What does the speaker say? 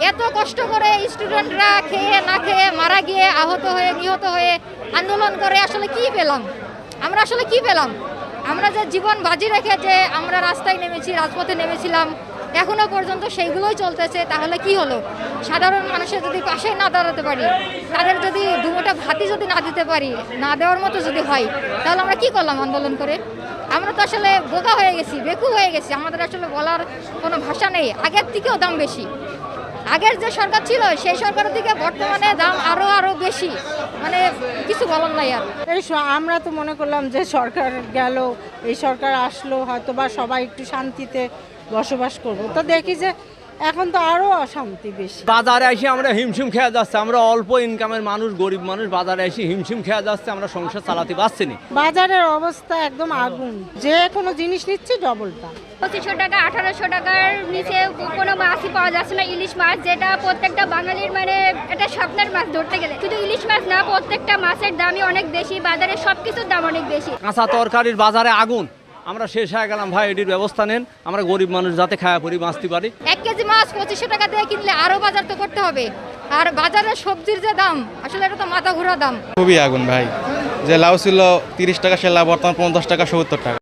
এত কষ্ট করে স্টুডেন্টরা খেয়ে না খেয়ে মারা গিয়ে আহত হয়ে নিহত হয়ে আন্দোলন করে আসলে কি পেলাম? আমরা আসলে কি পেলাম? আমরা যে জীবন বাজি রেখে যে আমরা রাস্তায় নেমেছি, রাজপথে নেমেছিলাম, এখনো পর্যন্ত সেইগুলোই চলতেছে। তাহলে কি হলো? সাধারণ মানুষের যদি পাশে না দাঁড়াতে পারি, তাদের যদি দুমোটা ভাতি যদি না দিতে পারি, না দেওয়ার মতো যদি হয়, তাহলে আমরা কি করলাম আন্দোলন করে? আমরা তো আসলে বোকা হয়ে গেছি, বেকু হয়ে গেছি। আমাদের আসলে বলার কোনো ভাষা নেই। আগের থেকেও দাম বেশি। আগের যে সরকার ছিল সেই সরকারের থেকে বর্তমানে দাম আরো বেশি। মানে কিছু বলার নাই আর। আমরা তো মনে করলাম যে সরকার গেল, এই সরকার আসলো, হয়তো বা সবাই একটু শান্তিতে বসবাস করবো, তো দেখি যে এখন তো আরো অশান্তি বেশি। বাজারে এসে আমরা হিমশিম খেয়ে যাচ্ছে। আমরা অল্প ইনকামের মানুষ, গরিব মানুষ, বাজারে এসে হিমশিম খেয়ে যাচ্ছে। আমরা সংসার চালাতে পারছি না। বাজারের অবস্থা একদম আগুন, যে কোনো জিনিস নিচ্ছি ডবল দাম। 2500 টাকা 1800 টাকার নিচে কোনো মাছই পাওয়া যাচ্ছে না। ইলিশ মাছ, যেটা প্রত্যেকটা বাঙালির মানে এটা স্বপ্নের মাছ ধরতে গেলে। শুধু ইলিশ মাছ না, প্রত্যেকটা মাছের দামই অনেক বেশি, বাজারে সবকিছুর দাম অনেক বেশি। কাঁচা তরকারির বাজারে আগুন। আমরা শেষ হয়ে গেলাম ভাই, এটির ব্যবস্থা নেন। আমরা গরিব মানুষ যাতে খায়া পরি বাঁচতে পারি। 1 কেজি মাছ 2500 টাকা দিয়ে কিনলে আরো বাজার তো করতে হবে। আর বাজারে সবজির যে দাম, আসলে এটা তো মাথা ঘোরা দাম। খুবই আগুন ভাই। যে লাউ ছিল 30 টাকা, সে লাউ বর্তমান 50 টাকা 70 টাকা।